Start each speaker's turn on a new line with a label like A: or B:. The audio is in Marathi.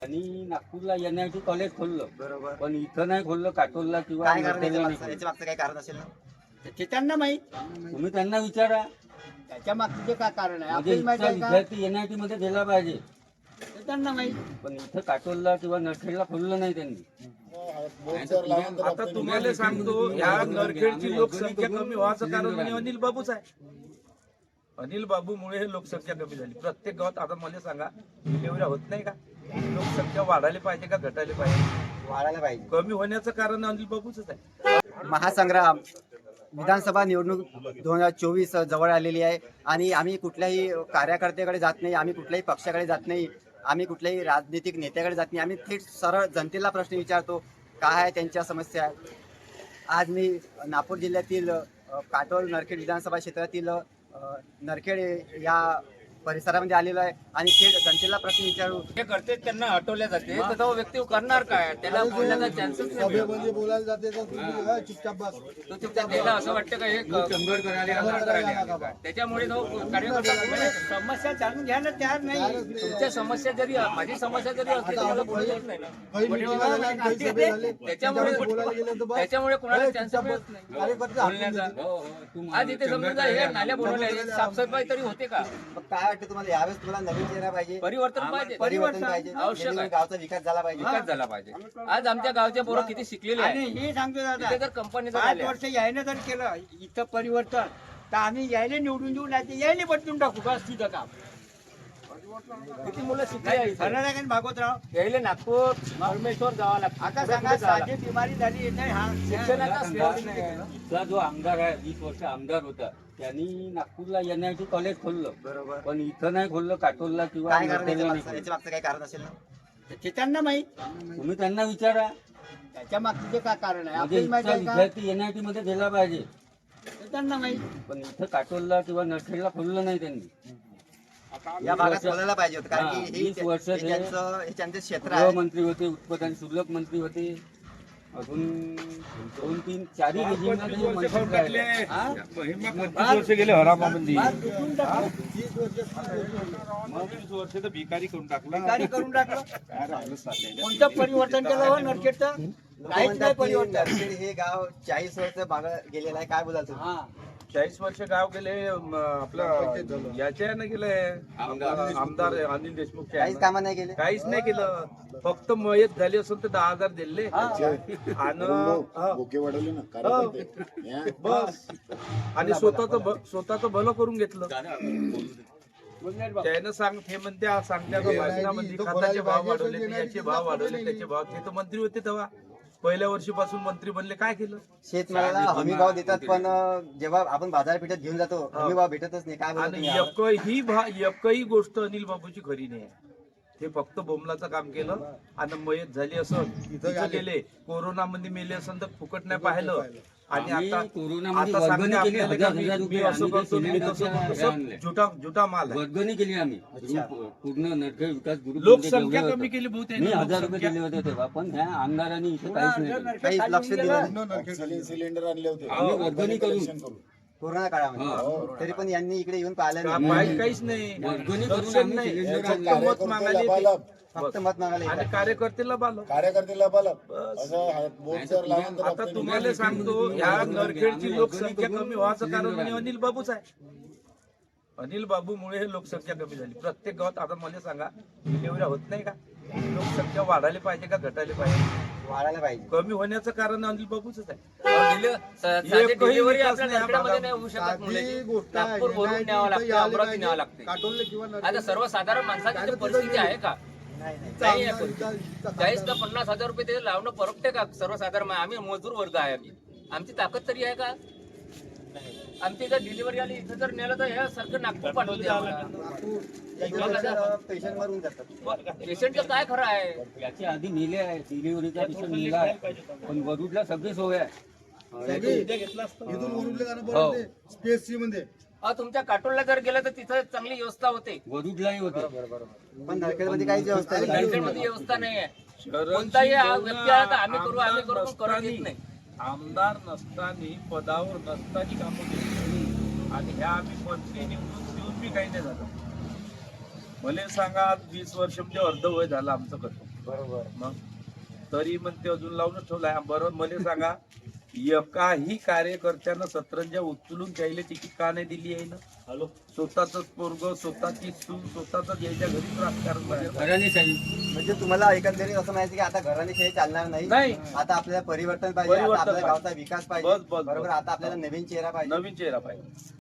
A: आणि नागपूरला NIT कॉलेज खोललं,
B: बरोबर.
A: पण इथं नाही खोललं, काटोलला किंवा
B: काय कारण
A: नरखेडला नाही
B: याच्या
A: खोललं.
B: मागचं काय कारण असेल ना?
C: ते त्यांना माहित,
A: तुम्ही त्यांना विचारा.
C: त्याच्या मागचं जे काय कारण आहे
A: म्हणजे
C: आपल्याला माहित
A: इथचा
C: आहे का?
A: विद्यार्थी NIT मध्ये गेला पाहिजे,
C: ते त्यांना माहित.
A: पण इथं काटोलला किंवा नरखेडला खोललं नाही त्यांनी.
D: आता तुम्हाला सांगतो, ह्या नरखेडची लोकसंख्या कमी व्हायचं कारण म्हणजे अनिल बाबूच आहे. अनिल बाबूमुळे हे लोकसंख्या कमी झाली. प्रत्येक गावात आता मला सांगा, डिलिव्हरी होत नाही का? लोकसंख्या वाढायला पाहिजे का घटायला पाहिजे?
B: वाढायला पाहिजे.
D: कमी होण्याचं कारण अनिल बाबूच आहे.
B: महासंग्राम विधानसभा निवडणूक 2024 जवळ आलेली आहे आणि आम्ही कुठल्याही कार्यकर्त्याकडे जात नाही, आम्ही कुठल्याही पक्षाकडे जात नाही, आम्ही कुठल्याही राजनीतिक नेत्याकडे जात नाही. आम्ही थेट सरळ जनतेला प्रश्न विचारतो, काय आहे त्यांच्या समस्या. आज मी नागपूर जिल्ह्यातील काटोल नरखेड विधानसभा क्षेत्रातील नरखेड या परिसरामध्ये आलेलो आहे आणि थेट जनतेला प्रश्न विचारू.
E: जे करते त्यांना हटवल्या जाते, तर तो व्यक्ती करणार काय? त्याला बोलण्याचा चान्सच नाही मिळत.
F: बोलायला जाते तर चुपचाप बस.
E: तो चुपचाप त्याला असं वाटतं का हे कंगड करायला आले काय? त्याच्यामुळे तो कार्यकर्ता
C: समस्या जाणून घ्यायला तयार नाही.
E: तुमच्या समस्या जरी माझी समस्या जरी असली तर मला बोलू देत नाही ना.
F: काही meeting झाल्या, काही सभे झाले,
E: त्याच्यामुळे
F: बोलायला गेलं तर बस.
E: त्याच्यामुळे कोणाला चान्स मिळत नाही
F: कार्यकर्ते हाकून
E: बोलण्याचा.
F: देते.
E: आज इथे समजा हे नाल्या बनवल्या, साफसफाई तरी होते का?
B: मग काय वाटतं तुम्हाला, यावेळेस तुम्हाला नवीन चेहरा पाहिजे,
E: परिवर्तन पाहिजे,
B: परिवर्तन पाहिजे,
E: आवश्यक आहे.
B: जेणेकरून गावचा विकास झाला पाहिजे.
E: विकास झाला पाहिजे. आज आमच्या गावचे पोरं किती शिकलेले
C: आणि
E: आहे.
C: हे सांगतो
E: इथे
C: दादा,
E: जर कंपनी
C: 5 वर्ष यायनं जर केलं इथं परिवर्तन, तर आम्ही यायला निवडून देऊ, नाही तर यायला बदलून टाकू. बस तिथं काम.
E: किती मुलं शिकले आहे इथे.
C: खरं भागवतराव,
E: यायले नागपूर परमेश्वर जावं लागतं.
C: आता सांगा साधी बिमारी झाली येत नाही. हा
E: शिक्षणाचा स्रोत नाही आहे.
A: इथला जो आमदार आहे, 20 वर्ष आमदार होता, त्यांनी नागपूरला NIT कॉलेज खोललं,
B: बरोबर.
A: पण इथं नाही खोललं, काटोलला किंवा
B: काय कारण
A: नरखेडला नाही
B: याच्या मागचं काय कारण असेल ना?
C: ते त्यांना माहित,
A: खोललं. तुम्ही त्यांना विचारा.
C: त्याच्या मागचं जे काय कारण आहे
A: म्हणजे
C: आपल्याला माहित
A: इथचा
C: आहे का?
A: विद्यार्थी NIT मध्ये गेला पाहिजे,
C: ते त्यांना माहित.
A: पण इथं काटोलला किंवा नरखेडला खोललं नाही त्यांनी.
B: या भागात बोलायला पाहिजे होतं, कारण
A: हा,
B: की हे
A: 20 वर्ष
B: हे
A: ते
B: त्यांचं क्षेत्र आहे.
A: गृहमंत्री होते, उत्पादन शुल्क मंत्री होते, अजून 2, 3, 4 रेजिमला ते मंत्री राहिले. हा?
D: 25 वर्ष गेले हरामामध्ये.
C: बाग विकून टाकलं,
D: 20 वर्ष तर भिकारी करून टाकला.
C: भिकारी करून टाकलं.
D: काय राहिलं चाललंय?
C: कोणतं परिवर्तन केलं हो नरखेडचं?
B: लोकं
C: काहीच
B: म्हणतात
C: नाही
B: की
C: परिवर्तन.
B: नरखेड हे गाव 40 वर्ष मागं गेलेलं आहे. काय बोलाल तुम्ही?
C: हा,
D: 40 वर्ष गाव गेले. आपलं याच्या ना गेले आमदार अनिल देशमुख
B: काहीच कामं नाही केले.
D: काहीच नाही केलं. फक्त मयत झाली असेल तर 10,000 दिले आणि
F: बोके वाढवले ना कार्यकर्ते.
D: बस आणि स्वतःच भलं करून घेतलं. त्यानं हे म्हणते सांगत्या भाषणामध्ये खताचे भाव वाढवले, याचे भाव वाढवले, त्याचे भाव. ते तर मंत्री होते तेव्हा, पहिल्या वर्षीपासून मंत्री बनले. काय केलं?
B: शेतमालाला हमी भाव देतात, पण जेव्हा आपण बाजारपेठेत घेऊन जातो हमी भाव भेटतच नाही. काय बोलतो
D: आणि
B: तुम्ही?
D: एकही गोष्ट अनिल बाबूची खरी नाही आहे. हे फक्त बोमलाचं काम केलं आणि मयत झाली असं तिथं गेले. कोरोनामध्ये मेले असं तर फुकट नाही पाहिलं. आणि
A: आम्ही
D: आता
A: कोरोनामध्ये
D: आता
A: वर्गणी
D: सांगते
A: केली,
D: आपल्याला
A: हजार
D: का
A: रुपये
D: मी असं
A: आम्ही ते
D: करतो, मी तसं
A: सिलेंडरच्या
D: करतो,
A: आणले.
D: झुटा माल आहे.
A: वर्गणी केली आम्ही. पूर्ण नरखेड विकास ग्रुप
D: लोकसंख्या कमी केली बहुत.
A: मी 1000 रुपये दिले होते तेव्हा, पण ह्या आमदारांनी इथे काहीच नाही केलं.
B: काहीच लक्ष दिलं नाही.
F: ऑक्सिजन सिलेंडर आणले होते
A: आम्ही वर्गणी करून
B: कोरोना काळामध्ये, तरी पण यांनी इकडे येऊन पाहिलं नाही.
D: पाहिजे काहीच नाही.
A: वर्गणी करून
D: दर्शन
A: आम्ही
D: नाही.
A: सिलेंडर
D: फक्त
A: आणले.
D: मत मागायला येते.
B: फक्त मत मागायला
D: आणि
B: येतात.
D: कार्यकर्त्याला बाल.
F: कार्यकर्त्याला बालक असं बोट जर लावून तर
D: आता तुम्हाला सांगतो, ह्या नरखेडची लोकसंख्या कमी व्हायचं कारण म्हणजे अनिल बाबूच आहे. अनिल बाबूमुळे हे लोकसंख्या कमी झाली. प्रत्येक गावात आता मला सांगा, डिलिव्हरी होत नाही का? लोकसंख्या वाढायला पाहिजे का घटायला पाहिजे?
B: वाढायला पाहिजे.
D: कमी होण्याचं कारण अनिल बाबूच आहे.
E: साधी डिलिव्हरी
D: विकास
E: आपल्या
D: नाही या
E: नरखेडमध्ये
D: भागात.
E: नाही होऊ शकत.
F: साधी
E: मुलाची
F: गोष्ट आहे.
E: नागपूर वरून न्यावं लागतं, अमरावती न्यावं लागते.
F: काटोलले किंवा
E: आता सर्वसाधारण माणसाची ती परिस्थिती आहे का?
B: नाही नाही.
E: नाही आहे परिस्थिती. 40 का 50,000 रुपये ते लावणं परवडते का? सर्वसाधारण आम्ही मजूर वर्ग आहे. आमची ताकद तरी आहे का? आमची जर डिलिव्हरी आली इथं जर नेलं तर ह्या सारखं नागपूर पाठवते आम्हाला.
B: पेशंट मरून जातात.
E: पेशंटचं काय खरं आहे?
A: याच्या आधी नेले आहे, डिलिव्हरीचा पेशंट नेला आहे, पण वरुडला सगळी सोय आहे.
F: इथून वरुडले जाणं बरोबर स्पेस सी मध्ये.
E: तुमच्या काटोलला जर गेलं तर तिथं चांगली व्यवस्था होते.
A: वरुडलाही होते.
B: पण नरखेडमध्ये काहीच व्यवस्था नाही.
E: नरखेडमध्ये व्यवस्था नाही आहे. कोणताही व्यक्ती आला तर आम्ही करू पण करून देत नाही.
D: आमदार नसताना, पदावर नसताना कामं केली आणि ह्या आम्ही मंत्री निवडून देऊन बी काही नाही झालं. मला सांगा, 20 वर्ष म्हणजे अर्धवय झालं आमचं कसं.
B: बरोबर.
D: मग तरी मग ते अजून लावूनच ठेवलाय. बरं मला सांगा, एकाही कार्यकर्त्यानं सतरंजा उचलून त्याला तिकीट का नाही दिली आहे ना? स्वतःच पोरग, स्वतःची सून, स्वतःच यायच्या घरीच राजकारण करायचं.
B: म्हणजे तुम्हाला एकंदरीत असं माहिती की आता घराने खेळ चालणार नाही.
D: नाही.
B: आता आपल्याला परिवर्तन पाहिजे, आता
D: परिवर्तन
B: आपल्या
D: पाहिजे.
B: गावचा विकास पाहिजे.
D: बस.
B: बरोबर. आता आपल्याला नवीन चेहरा पाहिजे.
D: नवीन चेहरा पाहिजे.